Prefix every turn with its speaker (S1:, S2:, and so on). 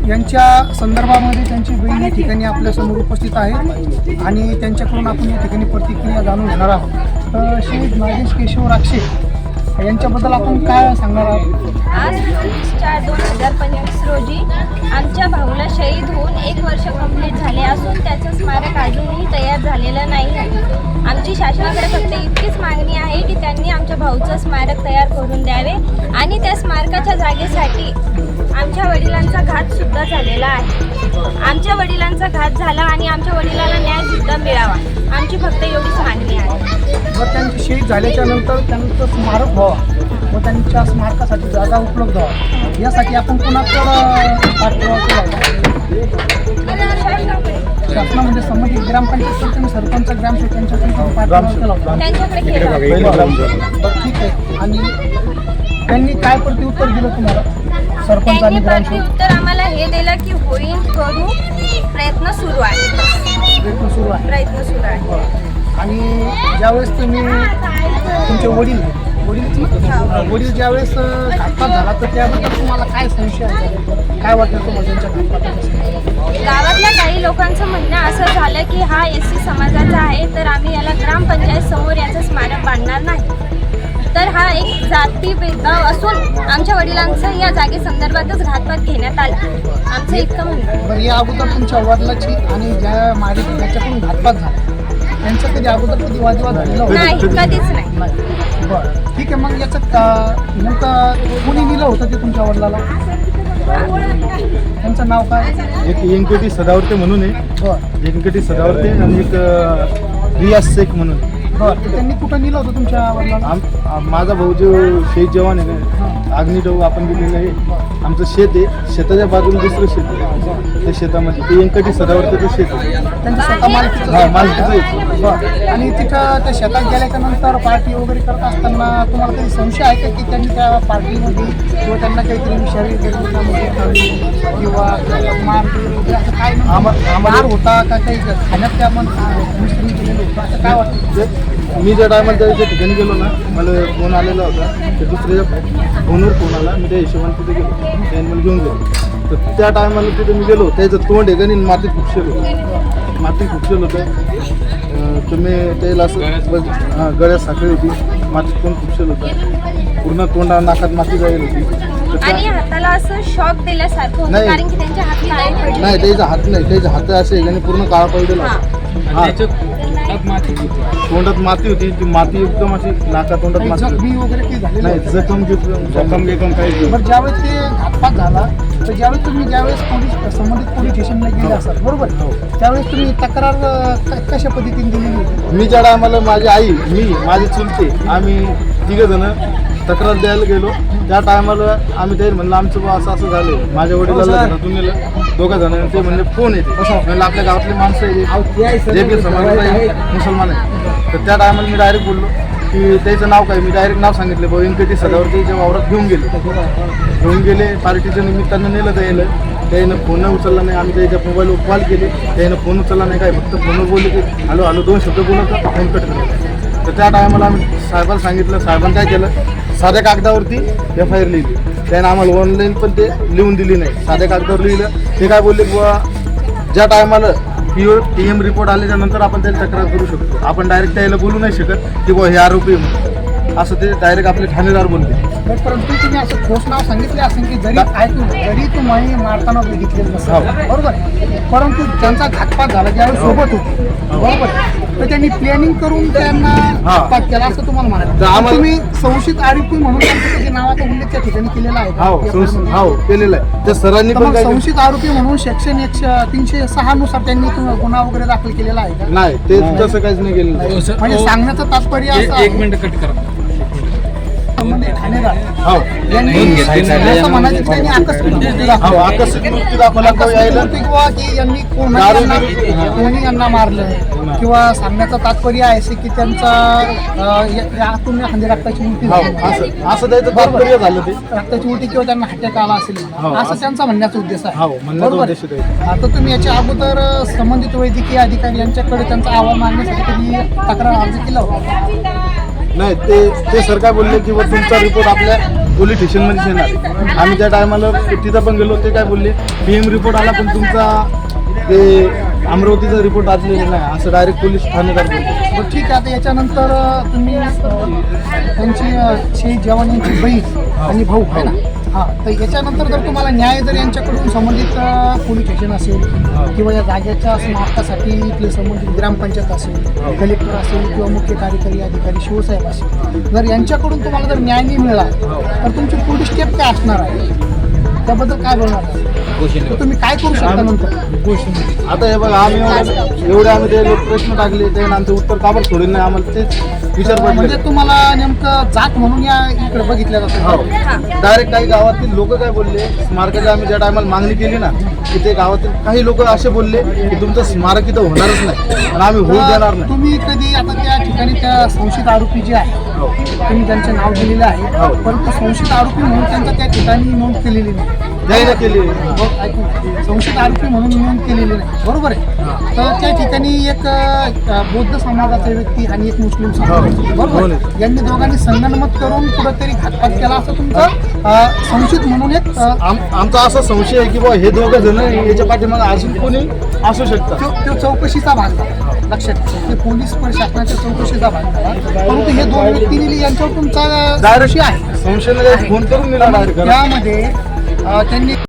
S1: यांच्या संदर्भामध्ये त्यांची बहीण या ठिकाणी आपल्यासमोर उपस्थित आहे आणि त्यांच्याकडून आपण या ठिकाणी प्रतिक्रिया जाणून घेणार आहोत. श्री नागेश केशव राक्षे यांच्याबद्दल आपण काय सांगणार आहात?
S2: आज 24/2025 रोजी आमच्या भाऊला शहीद होऊन 1 वर्ष कंप्लीट झाले असून त्याचं स्मारक अजूनही तयार झालेलं नाही आहे. आमची शासनाकडे फक्त इतकीच मागणी आहे की त्यांनी आमच्या भाऊचं स्मारक तयार करून द्यावे आणि त्या स्मारकाच्या जागेसाठी आमच्या वडिलांचा घातसुद्धा झालेला आहे. आमच्या वडिलांचा घात झाला आणि आमच्या वडिलांना न्यायसुद्धा मिळावा, आमची फक्त एवढीच मागणी आहे.
S1: जर त्यांची शहीद झाल्याच्या नंतर त्यांचं स्मारक व्हावं व त्यांच्या स्मारकासाठी जागा उपलब्ध व्हावा यासाठी आपण कुणाकडं पाठपुरावा केला? शासनामध्ये संबंधित ग्रामपंचायत आणि सरपंच ग्रामसेवक यांच्याकडून पाठपुरावा केला होता.
S2: त्यांच्याकडे केलं.
S1: ठीक आहे. आणि त्यांनी काय प्रत्युत्तर दिलं तुम्हाला? सरपंच
S2: त्यांनी
S1: आणि ग्रामसेवक
S2: प्रत्युत्तर आम्हाला हे दिलं की होईल, करू, प्रयत्न सुरू आहे.
S1: प्रयत्न सुरू आहे. आणि ज्यावेळेस तुम्ही तुमचे वडील ज्यावेळेस घातपात झाला तर त्याबद्दल तुम्हाला काय संशय आहे? काय वाटलं तुम्हाला त्यांच्या घातपात?
S2: गावातल्या काही लोकांचं म्हणणं असं झालं की हा SC समाजाचा आहे तर आम्ही याला ग्रामपंचायत समोर याचं स्मारक बांधणार नाही. तर हा एक जाती भेदभाव असून आमच्या वडिलांचं या जागेसंदर्भातच घातपात घेण्यात आला, आमचं इतकं म्हणणं.
S1: बरं, या अगोदर तुमच्या वडिलाची आणि ज्या मारिक ज्याच्याकडून घातपात झाला त्यांचं कधी अगोदर कधी वादविवाद झालेला होता?
S2: नाही, कधीच नाही.
S1: बरं, ठीक आहे. मग याचं नेमकं कोणी दिलं होतं ते तुमच्या वडिलाला? त्यांचं नाव काय?
S3: एक व्यंकटी सदावर्ते म्हणून आहे.
S1: बरं
S3: व्यंकटी सदावर्ते आणि एक रियाज शेख म्हणून.
S1: बरं, तर त्यांनी कुठं दिलं होतं तुमच्या वडिलाला?
S3: माझा भाऊ जो शहीद जवान आहे ना, अग्निडव आपण दिलेलं आहे. आमचं शेत आहे, शेताच्या बाजूला दुसरं शेत आहे. त्या शेतामध्ये ते व्यंकटी सदावर्तेचं शेत आहे.
S1: त्यांचं स्वतः मालकीचं?
S3: हा, मालकीचं आहे.
S1: बरं, आणि तिथं त्या शेतात गेल्याच्या नंतर पार्टी वगैरे करत असताना तुम्हाला काही संशय आहे का की त्यांनी त्या पार्टीमध्ये किंवा त्यांना काहीतरी शारीरिक किंवा मारपीट वगैरे असं काय मार होता का? काही खाण्यात त्या मिश्रण केलेलं होतं असं काय वाटतं?
S3: मी ज्या टायमाला त्या ठिकाणी गेलो ना, मला फोन आलेला होता. ते दुसऱ्या फोनवर फोन आला. मी त्या हिशोबाने तिथे गेलो, त्याने मला घेऊन गेलो. तर त्या टायमाला तिथे मी गेलो, त्याचं तोंड आहे का नाही मातीत खुपशेल होतं. मातीत खुपशेल होतं. तर मी त्याला असं गळ्यात साखळी होती, मातीत तोंड खुपशेल होतं. पूर्ण तोंडा नाकात माती जाईल होती.
S2: आणि हाताला असं शॉक दिल्यासारखं होतं
S3: नाही.
S2: कारण की त्यांच्या हात काळे पडले.
S3: नाही, त्याचा हात नाही, त्याचा हात असे आणि पूर्ण काळा पडलेला होता. तोंडात माती होती. ती माती एकदम अशी नाका तोंडात
S1: काही
S3: माती होती.
S1: जखमी वगैरे काही झाले
S3: नाही, जखम घेतलं काही.
S1: बरं, ज्यावेळेस ते घातपात झाला तर ज्यावेळेस तुम्ही संबंधित पोलीस स्टेशनला गेले असाल बरोबर, त्यावेळेस तुम्ही तक्रार कशा पद्धतीने दिलेली होती?
S3: मी ज्या टायमाला माझी आई, माझी चुलते, आम्ही तिघं जण तक्रार द्यायला गेलो. त्या टायमाला आम्ही ते म्हणलं आमचं बा असं असं झालं. माझ्या वडिलांना घरातून नेलं, 2 जण. ते म्हणजे फोन येते म्हणलं आपल्या गावातली माणसं आहे जे बी समाजाचा आहे, मुसलमान आहे. तर त्या टायमाला मी डायरेक्ट बोललो की त्याचं नाव काय. मी डायरेक्ट नाव सांगितलं, व्यंकटी सदावर्तेच्या वावरात घेऊन गेले. पार्टीच्या निमित्तानं नेलं द्यायला. त्यानं फोन उचलला नाही. आम्ही त्याच्या मोबाईलवर कॉल केले, त्यानं फोन उचलला नाही. काय फक्त फोनवर बोलले की हॅलो 2 शब्द बोलत फोन कट केला. तर त्या टायमाला आम्ही साहेबाला सांगितलं. साहेबांनी काय केलं, साध्या कागदावरती FIR लिहिली. त्यानं आम्हाला ऑनलाईन पण ते लिहून दिली नाही, साध्या कागदावर लिहिलं. ते काय बोलले बुवा, ज्या टायमाला PM रिपोर्ट आल्याच्या नंतर आपण त्याला तक्रार करू शकतो. आपण डायरेक्ट त्याला बोलू नाही शकत की बुवा हे आरोपी म्हणून, असं ते डायरेक्ट आपले ठाणेदार बोलते.
S1: परंतु तुम्ही असं ठोस नाव सांगितले असेल की जरी तुम्ही मारताना बघितलेलं नसेल बरोबर, परंतु त्यांचा घातपात झाला ज्यावेळी सोबत होते बरोबर, तर त्यांनी प्लॅनिंग करून त्यांना घातपात केला असं तुम्हाला म्हणायचं. तुम्ही संशयित आरोपी म्हणून त्यांच्या नावाचा उल्लेख त्या ठिकाणी केलेला आहे?
S3: हो, केलेला आहे. त्या सरांनी पण
S1: संशयित आरोपी म्हणून सेक्शन 306 नुसार त्यांनी गुन्हा वगैरे दाखल केलेला आहे का?
S3: नाही, ते तसं काहीच नाही केलेलं.
S1: म्हणजे सांगण्याचं तात्पर्य असं आहे.
S4: 1 मिनिट कट करा.
S1: ठाणेदार
S3: यांनी
S1: असं म्हणायचं की त्यांनी आकस्मिक
S3: मृत्यू दाखवला
S1: किंवा की यांनी कोणी यांना मारलं किंवा सांगण्याचं तात्पर्य आहे की त्यांचा यातून रक्ताची उलटी झाली,
S3: असं त्याचं तात्पर्य झालं. ते
S1: रक्ताची उलटी किंवा त्यांना अटॅक आला असेल असं त्यांचा म्हणण्याचा उद्देश आहे
S3: म्हणण्याचा
S1: बरोबर.
S3: उद्देश आहे.
S1: आता तुम्ही याच्या अगोदर संबंधित वैद्यकीय अधिकारी यांच्याकडे त्यांचा अहवाल मागण्यासाठी कधी तक्रार अर्ज केला होता?
S3: नाही ते सर काय बोलले की तुमचा रिपोर्ट आपल्या पोलीस स्टेशनमध्येच येणार. आम्ही त्या टायमाला तिथं पण गेलो. ते काय बोलले PM रिपोर्ट आला पण तुमचा ते अमरावतीचा रिपोर्ट आलेला नाही असं डायरेक्ट पोलीस ठाणेदार बोलले.
S1: बरं ठीक आहे. आता याच्यानंतर तुम्ही त्यांची शहीद जवान यांची बहीण आणि भाऊ आहे ना, हां, तर याच्यानंतर जर तुम्हाला न्याय जर यांच्याकडून संबंधित पोलीस स्टेशन असेल किंवा या जागेच्या समाप्तासाठी इथले संबंधित ग्रामपंचायत असेल, कलेक्टर असेल किंवा मुख्य कार्यकारी अधिकारी शिवसाहेब असेल, जर यांच्याकडून तुम्हाला जर न्याय नाही मिळाला तर तुमची पुढील स्टेप काय असणार आहे त्याबद्दल काय बोलणार आहे? तर तुम्ही काय करू शकता नंतर?
S3: आता हे बघा आम्ही एवढे आम्ही ते लोक प्रश्न टाकले ते आमचं उत्तर काबर सोडून नाही आम्हाला तेच विचार पडले.
S1: म्हणजे तुम्हाला नेमकं जात म्हणून या इकडे बघितलं जातं.
S3: डायरेक्ट काही गावातील लोक काय बोलले स्मारकाची आम्ही ज्या टायमाला मागणी केली ना की ते गावातील काही लोक असे बोलले की तुमचं स्मारक इथं होणारच नाही आणि आम्ही होऊ देणार नाही.
S1: तुम्ही कधी आता त्या ठिकाणी त्या संशयित आरोपी जे आहे तुम्ही त्यांचे नाव दिलेलं आहे, परंतु संशयित आरोपी म्हणून त्यांचं त्या ठिकाणी नोंद केलेली नाही.
S3: द्यायला केली.
S1: ऐकून संशयित आरोपी म्हणून नोंद केलेली नाही, बरोबर आहे. तर त्या ठिकाणी एक बौद्ध समाजाचा व्यक्ती आणि एक मुस्लिम समाज, बरोबर आहे, यांनी दोघांनी संगनमत करून कुठेतरी घातपात केला असं तुमचं संशयित म्हणून एक
S3: आमचा असा संशय आहे की बाबा हे दोघं जण याच्या पाठीमागे अजून कोणी असू शकतात.
S1: तो चौकशीचा भाग झाला. लक्षात ठेवा, ते पोलीस प्रशासनाच्या चौकशीचा भाग झाला. परंतु हे दोन व्यक्तींनी यांच्यावर तुमचा
S3: डायरेक्ट आहे संशय फोन करून दिला डायरेक्ट
S1: त्यामध्ये त्यांनी